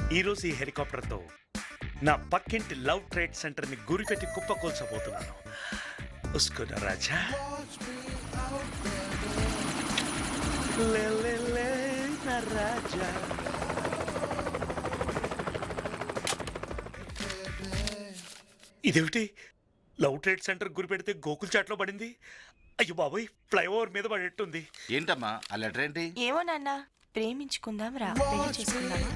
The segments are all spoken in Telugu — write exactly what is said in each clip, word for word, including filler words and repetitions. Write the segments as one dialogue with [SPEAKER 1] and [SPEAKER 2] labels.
[SPEAKER 1] ఈరోజు ఈ హెలికాప్టర్తో నా పక్కింటి లవ్ ట్రేడ్ సెంటర్ని గురిపెట్టి కుప్పకూల్చబోతున్నాను. ఉస్కున రాజా లే లే లే నా రాజా. ఇదేమిటి, లవ్ ట్రేడ్ సెంటర్ గురిపెడితే గోకుల్ చాట్లో పడింది? అయ్యో బాబోయ్, ఫ్లైఓవర్ మీద పడేట్టుంది.
[SPEAKER 2] ఏంటమ్మా ఆ లెటర్ ఏంటి?
[SPEAKER 3] ఏమో నాన్న, ప్రేమించుకుందాం రా, పెళ్లి చేసుకుందామా?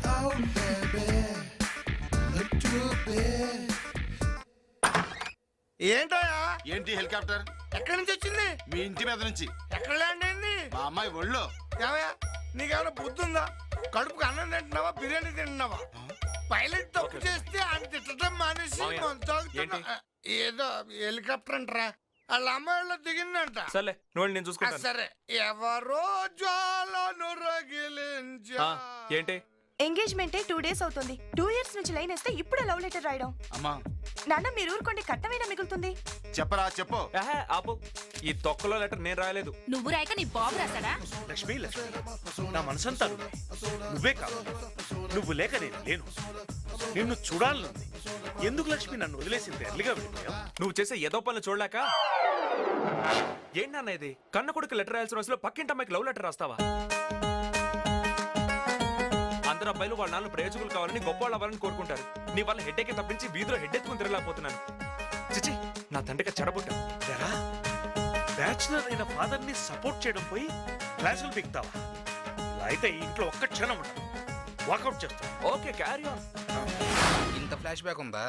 [SPEAKER 4] ఏంటోయా?
[SPEAKER 2] ఏంటి హెలికాప్టర్?
[SPEAKER 4] ఎక్కడి నుంచి వచ్చింది?
[SPEAKER 2] మీ ఇంటి మీద నుంచి.
[SPEAKER 4] ఎక్కడ ల్యాండ్ అయింది?
[SPEAKER 2] మా అమ్మాయి ఒళ్ళో.
[SPEAKER 4] ఏమయ్యా, నీకేమైనా బుద్ధి ఉందా? కడుపుకి అన్నం తింటున్నావా, బిర్యానీ తింటున్నావా? పైలట్ తప్పు చేస్తే ఆయన తిట్టడం మానేసి కొనసాగుతున్నా. ఏదో హెలికాప్టర్ అంటారా, వాళ్ళ అమ్మాయిలో దిగిందంట.
[SPEAKER 5] సర్లే నువ్వు నేను చూసుకుంటా.
[SPEAKER 4] సరే, ఎవరో జ్వాలను రగిలించా.
[SPEAKER 5] ఏంటి
[SPEAKER 3] ఎంగేజ్మెంట్ టూ డేస్ అవుతుంది. టూ ఇయర్స్ నుంచి లైన్ వేస్తే ఇప్పుడే లవ్ లెటర్ రాయడం.
[SPEAKER 2] అమ్మా
[SPEAKER 3] నాన్న మీరు ఊరుకోండి, కట్టమైనా మిగులుతుంది.
[SPEAKER 2] చెప్పరా చెప్పు.
[SPEAKER 5] ఆహా, ఆపు. ఈ తొక్కలో లెటర్ నేను రాయలేదు.
[SPEAKER 6] నువ్వు రాయక నీ బాబు రాశాడా?
[SPEAKER 1] లక్ష్మి లక్ష్మి, నా మనసంతా నువ్వే. నువ్వే కాదు, నువ్వు లేక నేను లేను. నిన్ను చూడాలనుంది. ఎందుకు లక్ష్మి నన్ను వదిలేసింది? ఎర్లిగా వెళ్ళిపోయావు.
[SPEAKER 5] నువ్వు చేసే ఏదో పనులు చూడలేక. ఏంటన్న ఇది? కన్న కొడుకు లెటర్ రాయాల్సిన రోజులో పక్కింటి అమ్మాయికి లవ్ లెటర్ రాస్తావా? అందరు అబ్బాయిలు వాళ్ళ నాన్న ప్రయోజకులు కావాలని గొప్ప వాళ్ళు అవ్వాలని కోరుకుంటారు. నీ వల్ల హెడ్ఏక్ తప్పించి వీధిలో హెడ్ ఎత్తుకుని తిరగలేకపోతున్నాను. చిచి, నా తండ్రికి చెడబుట్టా.
[SPEAKER 1] బ్యాచులర్ అయిన ఫాదర్ ని సపోర్ట్ చేయడం పోయి క్లాసులు బిగుతావా? ఇలా అయితే ఈ ఇంట్లో ఒక్క క్షణం ఉండదు. వాకౌట్ చేస్తా.
[SPEAKER 5] Okay, carry on.
[SPEAKER 4] ఇంత ఫ్లాష్ బ్యాక్ ఉందా?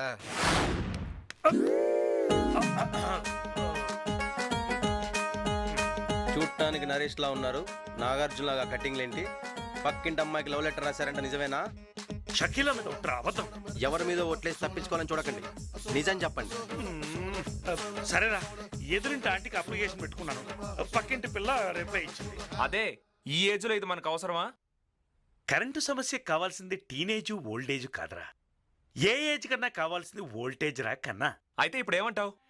[SPEAKER 7] చూడటానికి నరేష్ లా ఉన్నారు, నాగార్జున లాగా కటింగ్లేంటి? పక్కింటి అమ్మాయికి లవ్ లెటర్ రాశారంట, నిజమేనా?
[SPEAKER 1] షకీలా మీద ఒట్రా అబద్ధం.
[SPEAKER 7] ఎవరి మీద ఓట్లేసి తప్పించుకోవాలని చూడకండి, నిజం చెప్పండి.
[SPEAKER 1] సరేరా, ఎదురింటి ఆంటీకి అప్లికేషన్ పెట్టుకున్నాను. పక్కింటి పిల్ల రిప్లై ఇచ్చింది.
[SPEAKER 5] అదే, ఈ ఏజ్ లో ఇది మనకు అవసరమా?
[SPEAKER 1] కరెంటు సమస్యకు కావాల్సింది టీనేజ్ ఓల్డేజ్ కాదురా. ఏ ఏజ్ కన్నా కావాల్సింది వోల్టేజ్ రా కన్నా.
[SPEAKER 5] అయితే ఇప్పుడు ఏమంటావు?